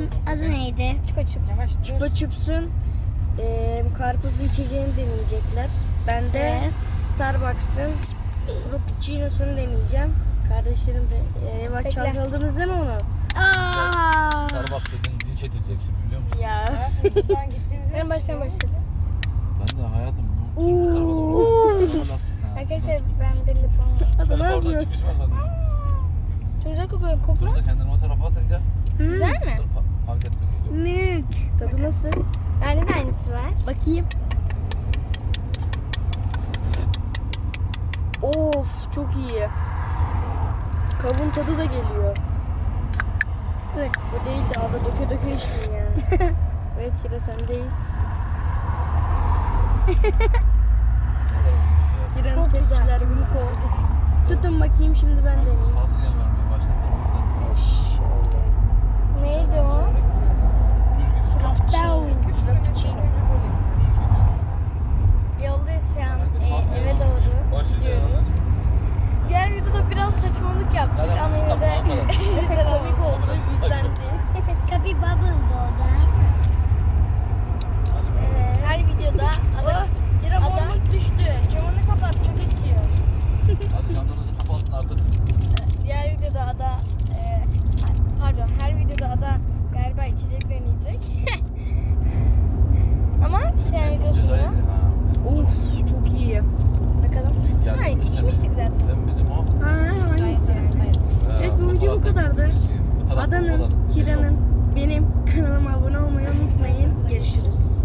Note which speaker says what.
Speaker 1: adı neydi?
Speaker 2: Chupa Chups.
Speaker 3: Chupa Chups'un karpuzlu içeceğini deneyecekler. Ben de
Speaker 1: Evet.
Speaker 3: Starbucks'ın Frappuccino'sunu deneyeceğim. Kardeşlerim de bak
Speaker 2: Bekle.
Speaker 3: çalkaladınız değil mi onu?
Speaker 1: Aa.
Speaker 4: Starbucks dedin linç edileceksin biliyor musun?
Speaker 3: Ya.
Speaker 2: Ben baştan başladım.
Speaker 4: Ben de hayatım bu
Speaker 3: Oo.
Speaker 2: Arkadaşlar ben de lipon.
Speaker 3: Adam ne
Speaker 4: Oradan
Speaker 3: yapıyor?
Speaker 4: çıkış var zaten.
Speaker 2: Çok güzel kokuyor. Kokla.
Speaker 4: Burada kendini o tarafa atınca
Speaker 2: Güzel mi?
Speaker 4: fark etme geliyor.
Speaker 3: Mük. Tadı nasıl?
Speaker 2: Bende de aynısı var.
Speaker 3: Bakayım. Of çok iyi. Kavun tadı da geliyor.
Speaker 2: Evet.
Speaker 3: O değil de ada döke döke içtin ya. Evet Hira sendeyiz. Hira'nın
Speaker 2: Çok güzel.
Speaker 3: tepkiler büyük oldu. Tutun bakayım şimdi ben deneyeyim.
Speaker 4: Sağ sinyal vermeye başladı da o yüzden
Speaker 3: Şöyle.
Speaker 2: Neydi o?
Speaker 4: düz gidiyor.
Speaker 3: Frappuccino.
Speaker 4: Düz gidiyor.
Speaker 2: Yoldayız şu an. Eve doğru gidiyoruz. Diğer videoda biraz saçmalık yaptık
Speaker 4: Nereden
Speaker 2: ama yine de
Speaker 4: İstanbul'a
Speaker 2: güzel
Speaker 3: Komik
Speaker 2: oldu.
Speaker 3: oldu, izlendi.
Speaker 1: Kapi Bubble'dı o da.
Speaker 2: Her videoda
Speaker 3: Oh, Hira
Speaker 2: Ada-
Speaker 3: mormuk düştü. Camını kapat, çok esiyor.
Speaker 4: Hadi camlarınızı kapatın artık.
Speaker 2: diğer videoda Ada pardon her videoda Ada galiba içecek deneyecek. Ama bir tane videosunda
Speaker 3: Of çok iyi.
Speaker 2: bakalım. Ha, içmiştik zaten.
Speaker 4: Sen bizim o.
Speaker 3: Ha hangisi yani? Evet, bu video bu kadardı. Adanın, Hira'nın, benim kanalıma abone olmayı unutmayın. Görüşürüz.